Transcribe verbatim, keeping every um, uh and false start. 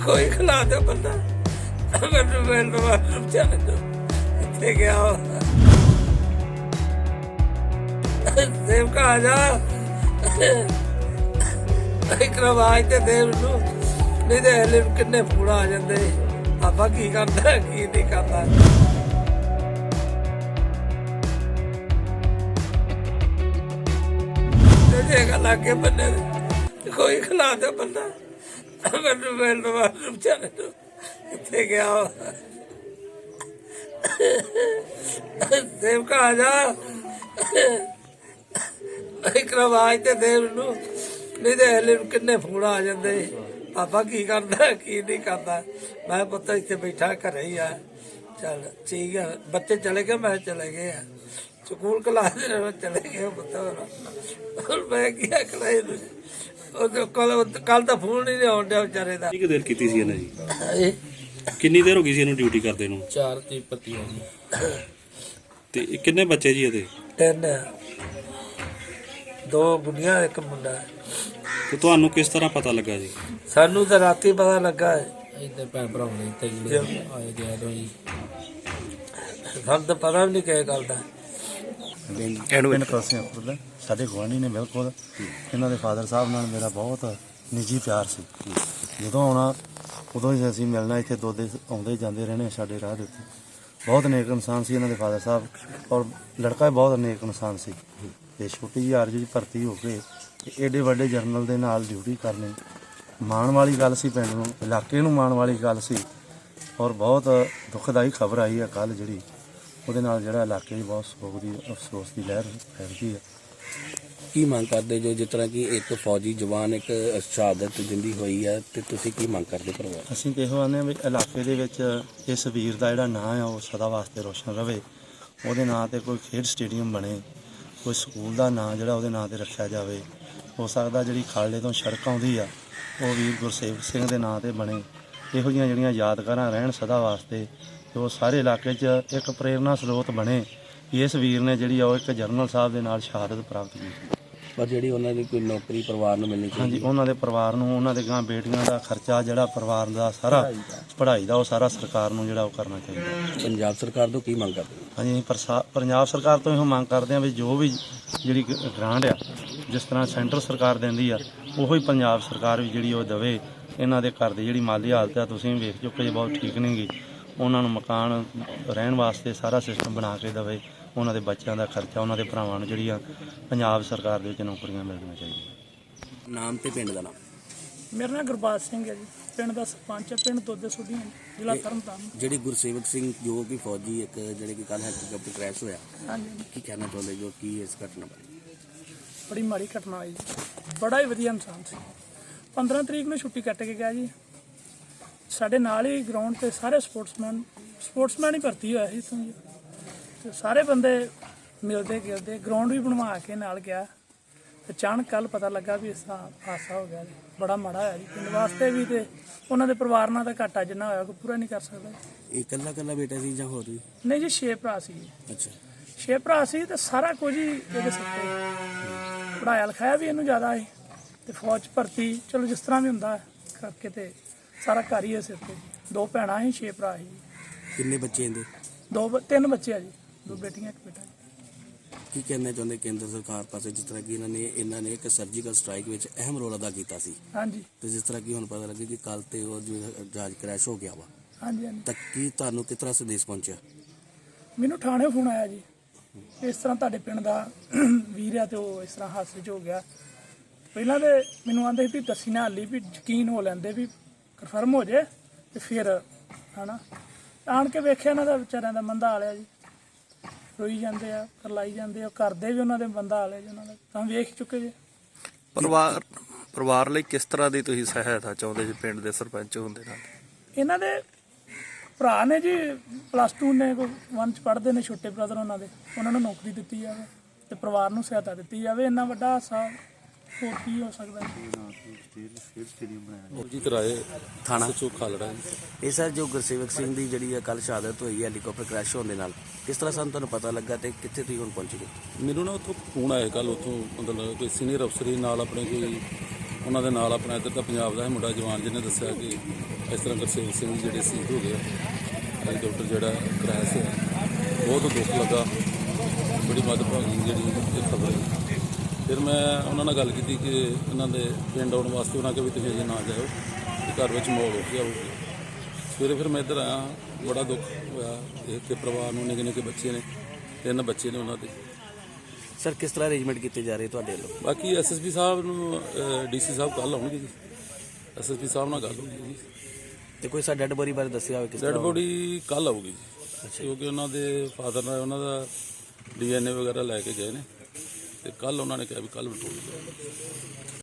कोई खिला दो बंदा मैं बेचारे तो इतने गया देव का आ जा एक आवाज तो देव नू नहीं तो हले किन्ने फोन आ जाते पापा की करता की नहीं करता लागे बंदे कोई खिला दो बंदा मैं बेचारे तो इतने गया देव का आ जा एक आवाज तो देव नू नहीं तो हले किन्ने फोन आ जाते पापा की करता की नहीं करता मैं पुत इतने बैठा घर ही आ चल ठीक है बच्चे चले गए मैं चले गए स्कूल क्लास चले गए पुत मैं क्या कराई कल कल तो फोन ही नहीं आउन दिया बेचारे का ਕਿੰਨੀ ਦੇਰ ਕੀਤੀ ਸੀ ਇਹਨਾਂ ਜੀ ਕਿੰਨੀ ਦੇਰ ਹੋ ਗਈ ਸੀ ਇਹਨੂੰ ਡਿਊਟੀ ਕਰਦੇ ਨੂੰ ਚਾਰ ਤੇ ਪੱਤੀ ਹੋ ਗਈ ਤੇ ਇਹ ਕਿੰਨੇ ਬੱਚੇ ਜੀ ਇਹਦੇ ਤਿੰਨ ਦੋ ਬੁੱਢੀਆਂ ਇੱਕ ਮੁੰਡਾ ਤੇ ਤੁਹਾਨੂੰ ਕਿਸ ਤਰ੍ਹਾਂ ਪਤਾ ਲੱਗਾ ਜੀ ਸਾਨੂੰ ਤਾਂ ਰਾਤੀ ਪਤਾ ਲੱਗਾ ਇੱਧਰ ਭੈਣ ਭਰਾ ਨੇ ਤੇ ਆਏ ਗਿਆ ਦੋ ਜੀ ਸਾਨੂੰ ਤਾਂ ਪਤਾ ਵੀ ਨਹੀਂ ਕਿਹ ਗੱਲ ਦਾ ਪਿੰਡ ਕਲਸੀਆਂਪੁਰ ਦਾ ਸਾਡੇ ਗੁਆਂਢੀ ਨੇ ਬਿਲਕੁਲ ਇਹਨਾਂ ਦੇ ਫਾਦਰ ਸਾਹਿਬ ਨਾਲ ਮੇਰਾ ਬਹੁਤ ਨਿੱਜੀ ਪਿਆਰ ਸੀ ਜਦੋਂ ਆਉਣਾ ਉਦੋਂ ਹੀ ਅਸੀਂ ਮਿਲਣਾ ਇੱਥੇ ਦੋ ਦੇ ਆਉਂਦੇ ਜਾਂਦੇ ਰਹਿਣੇ ਸਾਡੇ ਰਾਹ ਦੇ ਉੱਤੇ ਬਹੁਤ ਨੇਕ ਇਨਸਾਨ ਸੀ ਇਹਨਾਂ ਦੇ ਫਾਦਰ ਸਾਹਿਬ ਔਰ ਲੜਕਾ ਵੀ ਬਹੁਤ ਨੇਕ ਇਨਸਾਨ ਸੀ ਤੇ ਛੋਟੀ ਜਿਹੀ ਆਰਜ਼ੂ ਦੀ ਭਰਤੀ ਹੋ ਕੇ ਏਡੇ ਵੱਡੇ ਜਰਨਲ ਦੇ ਨਾਲ ਡਿਊਟੀ ਕਰਨੀ ਮਾਣ ਵਾਲੀ ਗੱਲ ਸੀ ਪਿੰਡ ਨੂੰ ਇਲਾਕੇ ਨੂੰ ਮਾਣ ਵਾਲੀ ਗੱਲ ਸੀ ਔਰ ਬਹੁਤ ਦੁਖਦਾਈ ਖਬਰ ਆਈ ਹੈ ਕੱਲ ਜਿਹੜੀ ਉਹਦੇ ਨਾਲ ਜਿਹੜਾ ਇਲਾਕੇ 'ਚ ਬਹੁਤ ਸੋਗ ਦੀ ਅਫਸੋਸ ਦੀ ਲਹਿਰ ਫੈਲ ਗਈ ਹੈ ਕੀ ਮੰਗ ਕਰਦੇ ਜੋ ਜਿਸ ਤਰ੍ਹਾਂ ਕਿ ਇੱਕ ਫੌਜੀ ਜਵਾਨ ਇੱਕ ਸ਼ਹਾਦਤ ਦਿੰਦੀ ਹੋਈ ਹੈ ਤੇ ਤੁਸੀਂ ਕੀ ਮੰਗ ਕਰਦੇ ਪਰਿਵਾਰ ਅਸੀਂ ਇਹੋ ਆਉਂਦੇ ਹਾਂ ਵੀ ਇਲਾਕੇ ਦੇ ਵਿੱਚ ਇਸ ਵੀਰ ਦਾ ਜਿਹੜਾ ਨਾਂ ਆ ਉਹ ਸਦਾ ਵਾਸਤੇ ਰੋਸ਼ਨ ਰਵੇ ਉਹਦੇ ਨਾਂ 'ਤੇ ਕੋਈ ਖੇਡ ਸਟੇਡੀਅਮ ਬਣੇ ਕੋਈ ਸਕੂਲ ਦਾ ਨਾਂ ਜਿਹੜਾ ਉਹਦੇ ਨਾਂ 'ਤੇ ਰੱਖਿਆ ਜਾਵੇ ਹੋ ਸਕਦਾ ਜਿਹੜੀ ਖਾਲੜੇ ਤੋਂ ਸੜਕ ਆਉਂਦੀ ਆ ਉਹ ਵੀਰ ਗੁਰਸੇਵਕ ਸਿੰਘ ਦੇ ਨਾਂ 'ਤੇ ਬਣੇ ਇਹੋ ਜਿਹੀਆਂ ਜਿਹੜੀਆਂ ਯਾਦਗਾਰਾਂ ਰਹਿਣ ਸਦਾ ਵਾਸਤੇ ਤੇ ਉਹ ਸਾਰੇ ਇਲਾਕੇ 'ਚ ਇੱਕ ਪ੍ਰੇਰਨਾ ਸਰੋਤ ਬਣੇ ਕਿ ਇਸ ਵੀਰ ਨੇ ਜਿਹੜੀ ਉਹ ਇੱਕ ਜਰਨਲ ਸਾਹਿਬ ਦੇ ਨਾਲ ਸ਼ਹਾਦਤ ਪ੍ਰਾਪਤ ਕੀਤੀ ਪਰ ਜਿਹੜੀ ਉਹਨਾਂ ਦੀ ਕੋਈ ਨੌਕਰੀ ਪਰਿਵਾਰ ਨੂੰ ਮਿਲਣੀ ਹਾਂਜੀ ਉਹਨਾਂ ਦੇ ਪਰਿਵਾਰ ਨੂੰ ਉਹਨਾਂ ਦੇ ਗਾਂ ਬੇਟੀਆਂ ਦਾ ਖਰਚਾ ਜਿਹੜਾ ਪਰਿਵਾਰ ਦਾ ਸਾਰਾ ਪੜ੍ਹਾਈ ਦਾ ਉਹ ਸਾਰਾ ਸਰਕਾਰ ਨੂੰ ਜਿਹੜਾ ਉਹ ਕਰਨਾ ਚਾਹੀਦਾ ਪੰਜਾਬ ਸਰਕਾਰ ਤੋਂ ਕੀ ਮੰਗ ਕਰਦੇ ਹਾਂਜੀ ਪ੍ਰਸਾ ਪੰਜਾਬ ਸਰਕਾਰ ਤੋਂ ਇਹੋ ਮੰਗ ਕਰਦੇ ਹਾਂ ਵੀ ਜੋ ਵੀ ਜਿਹੜੀ ਗ੍ਰਾਂਟ ਆ ਜਿਸ ਤਰ੍ਹਾਂ ਸੈਂਟਰ ਸਰਕਾਰ ਦਿੰਦੀ ਆ ਉਹੋ ਹੀ ਪੰਜਾਬ ਸਰਕਾਰ ਵੀ ਜਿਹੜੀ ਉਹ ਦੇਵੇ ਇਹਨਾਂ ਦੇ ਘਰ ਦੀ ਜਿਹੜੀ ਮਾਲੀ ਹਾਲਤ ਆ ਤੁਸੀਂ ਵੇਖ ਚੁੱਕੇ ਜੇ ਬਹੁਤ ਠੀਕ ਨਹੀਂ ਗੀ ਉਹਨਾਂ ਨੂੰ ਮਕਾਨ ਰਹਿਣ ਵਾਸਤੇ ਸਾਰਾ ਸਿਸਟਮ ਬਣਾ ਕੇ ਦੇਵੇ ਉਹਨਾਂ ਦੇ ਬੱਚਿਆਂ ਦਾ ਖਰਚਾ ਉਹਨਾਂ ਦੇ ਭਰਾਵਾਂ ਨੂੰ ਜਿਹੜੀਆਂ ਪੰਜਾਬ ਸਰਕਾਰ ਦੇ ਵਿੱਚ ਨੌਕਰੀਆਂ ਮਿਲਣੀਆਂ ਚਾਹੀਦੀਆਂ ਨਾਮ ਤੇ ਪਿੰਡ ਦਾ ਨਾਮ ਮੇਰਾ ਨਾਮ ਗੁਰਬਾਜ ਸਿੰਘ ਹੈ ਜੀ ਪਿੰਡ ਦਾ ਸਰਪੰਚ ਹੈ ਪਿੰਡ ਦੋਦੇ ਸੁੱਡੀਆਂ ਜ਼ਿਲ੍ਹਾ ਤਰਨਤਾਰਨ ਜਿਹੜੀ ਗੁਰਸੇਵਕ ਸਿੰਘ ਜੋ ਕਿ ਫੌਜੀ ਇੱਕ ਜਿਹੜੇ ਕਿ ਕੱਲ ਹੈਲੀਕਾਪਟਰ ਕ੍ਰੈਸ਼ ਹੋਇਆ ਹਾਂਜੀ ਕੀ ਕਹਿਣਾ ਚਾਹੁੰਦੇ ਜੋ ਕੀ ਇਸ ਘਟਨਾ ਬਾਰੇ ਬੜੀ ਮਾੜੀ ਘਟਨਾ ਹੋਈ ਜੀ ਬੜਾ ਹੀ ਵਧੀਆ ਇਨਸਾਨ ਸੀ ਪੰਦਰਾਂ ਤਰੀਕ ਨੂੰ ਛੁੱਟੀ ਕੱਟ ਕੇ ਗਿਆ ਜੀ ਸਾਡੇ ਨਾਲ ਹੀ ਗਰਾਊਂਡ ਤੇ ਸਾਰੇ ਸਪੋਰਟਸਮੈਨ ਸਪੋਰਟਸਮੈਨ ਹੀ ਭਰਤੀ ਹੋਇਆ ਸੀ ਇੱਥੋਂ ਜੀ ਤੇ ਸਾਰੇ ਬੰਦੇ ਮਿਲਦੇ ਗਿਲਦੇ ਗਰਾਊਂਡ ਵੀ ਬਣਵਾ ਕੇ ਨਾਲ ਗਿਆ ਤੇ ਅਚਾਨਕ ਕੱਲ ਪਤਾ ਲੱਗਾ ਵੀ ਇਸ ਤਰ੍ਹਾਂ ਹਾਦਸਾ ਹੋ ਗਿਆ ਜੀ ਬੜਾ ਮਾੜਾ ਹੋਇਆ ਜੀ ਪਿੰਡ ਵਾਸਤੇ ਵੀ ਤੇ ਉਹਨਾਂ ਦੇ ਪਰਿਵਾਰ ਨਾਲ ਤਾਂ ਘਾਟਾ ਜਿੰਨਾ ਹੋਇਆ ਕੋਈ ਪੂਰਾ ਨਹੀਂ ਕਰ ਸਕਦਾ ਇਹ ਇਕੱਲਾ ਇਕੱਲਾ ਬੇਟਾ ਸੀ ਜਾਂ ਹੋਰ ਵੀ ਨਹੀਂ ਜੀ ਛੇ ਭਰਾ ਸੀ ਜੀ ਅੱਛਾ ਛੇ ਭਰਾ ਸੀ ਤੇ ਸਾਰਾ ਕੁਝ ਹੀ ਇਹਦੇ ਸਿਰ ਤੇ ਪੜ੍ਹਾਇਆ ਲਿਖਾਇਆ ਵੀ ਇਹਨੂੰ ਜ਼ਿਆਦਾ ਹੈ ਤੇ ਫੌਜ 'ਚ ਭਰਤੀ ਚਲੋ ਜਿਸ ਤਰ੍ਹਾਂ ਵੀ ਹੁੰਦਾ ਕਰਕੇ ਤੇ ਸਾਰਾ ਘਰ ਹੀ ਹੈ ਸਿਰ ਤੇ ਦੋ ਭੈਣਾਂ ਸੀ ਛੇ ਭਰਾ ਸੀ ਕਿੰਨੇ ਬੱਚੇ ਇਹਦੇ ਦੋ ਬ- ਤਿੰਨ ਬੱਚੇ ਆ ਜੀ ਦੋ ਬੇਟੀਆਂ ਇੱਕ ਬੇਟਾ ਜੀ ਕੀ ਕਹਿਣਾ ਚਾਹੁੰਦੇ ਕੇਂਦਰ ਸਰਕਾਰ ਪਾਸੇ ਜਿਸ ਤਰ੍ਹਾਂ ਕਿ ਇਹਨਾਂ ਨੇ ਇਹਨਾਂ ਨੇ ਇੱਕ ਸਰਜੀਕਲ ਸਟ੍ਰਾਈਕ ਵਿੱਚ ਅਹਿਮ ਰੋਲ ਅਦਾ ਕੀਤਾ ਸੀ ਹਾਂਜੀ ਤੇ ਜਿਸ ਤਰ੍ਹਾਂ ਕਿ ਹੁਣ ਪਤਾ ਲੱਗੇ ਕਿ ਕੱਲ ਤੇ ਉਹ ਜੋ ਜਹਾਜ਼ ਕ੍ਰੈਸ਼ ਹੋ ਗਿਆ ਵਾ ਹਾਂਜੀ ਹਾਂਜੀ ਤਾਂ ਕੀ ਤੁਹਾਨੂੰ ਕਿਸ ਤਰ੍ਹਾਂ ਸੰਦੇਸ਼ ਪਹੁੰਚਿਆ ਮੈਨੂੰ ਥਾਣੇ ਫੋਨ ਆਇਆ ਜੀ ਇਸ ਤਰ੍ਹਾਂ ਤੁਹਾਡੇ ਪਿੰਡ ਦਾ ਵੀਰ ਆ ਤੇ ਉਹ ਇਸ ਤਰ੍ਹਾਂ ਹਾਦਸੇ 'ਚ ਹੋ ਗਿਆ ਪਹਿਲਾਂ ਤੇ ਮੈਨੂੰ ਆਂਦੇ ਵੀ ਦੱਸੀ ਨਾ ਹਾਲੀ ਵੀ ਯਕੀਨ ਹੋ ਲੈਂਦੇ ਵੀ ਕਨਫਰਮ ਹੋ ਜੇ ਤੇ ਫਿਰ ਹਨਾ ਆਣ ਕੇ ਵੇਖਿਆ ਇਹਨਾਂ ਦਾ ਵਿਚਾਰਿਆਂ ਦਾ ਮੰਦਾ ਹਾਲਿਆ ਜੀ ਰੋਈ ਜਾਂਦੇ ਆ ਕਰਲਾਈ ਜਾਂਦੇ ਆ ਕਰਦੇ ਵੀ ਉਹਨਾਂ ਦੇ ਬੰਦਾ ਹਾਲਿਆ ਜੀ ਉਹਨਾਂ ਦਾ ਤਾਂ ਵੇਖ ਚੁੱਕੇ ਜੀ ਪਰਿਵਾਰ ਪਰਿਵਾਰ ਲਈ ਕਿਸ ਤਰ੍ਹਾਂ ਦੀ ਤੁਸੀਂ ਸਹਾਇਤਾ ਚਾਹੁੰਦੇ ਜੀ ਪਿੰਡ ਦੇ ਸਰਪੰਚ ਹੁੰਦੇ ਨਾਲ ਇਹਨਾਂ ਦੇ ਭਰਾ ਨੇ ਜੀ ਪਲੱਸ ਟੂ ਨੇ ਕੋਈ ਵਨ ਚ ਪੜ੍ਹਦੇ ਨੇ ਛੋਟੇ ਬ੍ਰਦਰ ਉਹਨਾਂ ਦੇ ਉਹਨਾਂ ਨੂੰ ਨੌਕਰੀ ਦਿੱਤੀ ਜਾਵੇ ਤੇ ਪਰਿਵਾਰ ਨੂੰ ਸਹਾਇਤਾ ਦਿੱਤੀ ਜਾਵੇ ਇੰਨਾ ਵੱਡਾ ਹਾਦਸਾ ਹੋਰ ਕੀ ਹੋ ਸਕਦਾ ਜੀ ਰਾਏ ਥਾਣਾ ਸਚੋ ਖਾਲੜਾ ਇਹ ਸਰ ਜੋ ਗੁਰਸੇਵਕ ਸਿੰਘ ਦੀ ਜਿਹੜੀ ਕੱਲ ਸ਼ਹਾਦਤ ਹੋਈ ਹੈ ਹੈਲੀਕਾਪਟਰ ਕ੍ਰੈਸ਼ ਹੋਣ ਦੇ ਨਾਲ ਕਿਸ ਤਰ੍ਹਾਂ ਸਾਨੂੰ ਤੁਹਾਨੂੰ ਪਤਾ ਲੱਗਾ ਤੇ ਕਿੱਥੇ ਤੁਸੀਂ ਹੁਣ ਪਹੁੰਚ ਗਏ ਮੈਨੂੰ ਨਾ ਉੱਥੋਂ ਫੋਨ ਆਇਆ ਕੱਲ ਉੱਥੋਂ ਮਤਲਬ ਕੋਈ ਸੀਨੀਅਰ ਅਫਸਰ ਨਾਲ ਆਪਣੇ ਕੋਈ ਉਹਨਾਂ ਦੇ ਨਾਲ ਆਪਣਾ ਇੱਧਰ ਦਾ ਪੰਜਾਬ ਦਾ ਮੁੰਡਾ ਜਵਾਨ ਜਿਹਨੇ ਦੱਸਿਆ ਕਿ ਇਸ ਤਰ੍ਹਾਂ ਗੁਰਸੇਵਕ ਸਿੰਘ ਜਿਹੜੇ ਸ਼ਹੀਦ ਹੋ ਗਏ ਹੈਲੀਕਾਪਟਰ ਜਿਹੜਾ ਕ੍ਰੈਸ਼ ਹੋਇਆ, ਬਹੁਤ ਦੁੱਖ ਲੱਗਾ, ਬੜੀ ਮੰਦਭਾਗੀ ਜਿਹੜੀ ਇਹ ਖਬਰ ਹੈ। ਫਿਰ ਮੈਂ ਉਹਨਾਂ ਨਾਲ ਗੱਲ ਕੀਤੀ ਕਿ ਇਹਨਾਂ ਦੇ ਪਿੰਡ ਆਉਣ ਵਾਸਤੇ ਉਹਨਾਂ ਕਿਹਾ ਵੀ ਤੁਸੀਂ ਅਜੇ ਨਾ ਜਾਇਓ, ਤੇ ਘਰ ਵਿੱਚ ਮਾਹੌਲ ਹੋ ਗਿਆ ਹੋਊਗਾ। ਸਵੇਰੇ ਫਿਰ ਮੈਂ ਇੱਧਰ ਆਇਆ, ਬੜਾ ਦੁੱਖ ਹੋਇਆ ਦੇਖ ਕੇ ਪਰਿਵਾਰ ਨੂੰ, ਨਿੱਕੇ ਨਿੱਕੇ ਬੱਚੇ ਨੇ, ਤਿੰਨ ਬੱਚੇ ਨੇ ਉਹਨਾਂ ਦੇ। ਸਰ ਕਿਸ ਤਰ੍ਹਾਂ ਅਰੇਂਜਮੈਂਟ ਕੀਤੇ ਜਾ ਰਹੇ ਤੁਹਾਡੇ ਵੱਲੋਂ? ਬਾਕੀ ਐਸਐਸਪੀ ਸਾਹਿਬ ਨੂੰ, ਡੀਸੀ ਸਾਹਿਬ ਕੱਲ੍ਹ ਆਉਣਗੇ ਜੀ, ਐਸਐਸਪੀ ਸਾਹਿਬ ਨਾਲ ਗੱਲ ਹੋਈ ਜੀ। ਤੇ ਕੋਈ ਸਾ ਡੈਡ ਬੋਡੀ ਬਾਰੇ ਦੱਸਿਆ ਹੋਵੇ ਕਿਸ ਡੈਡ ਤਰ੍ਹਾਂ? ਬੋਡੀ ਕੱਲ੍ਹ ਆਊਗੀ ਜੀ, ਕਿਉਂਕਿ ਉਹਨਾਂ ਦੇ ਫਾਦਰ ਨਾਲ ਉਹਨਾਂ ਦਾ ਡੀ ਐਨ ਏ ਵਗੈਰਾ ਲੈ ਕੇ ਗਏ ਨੇ, ਤੇ ਕੱਲ੍ਹ ਉਹਨਾਂ ਨੇ ਕਿਹਾ ਵੀ ਕੱਲ੍ਹ ਵਟੋਲੀ ਜਾਏਗਾ।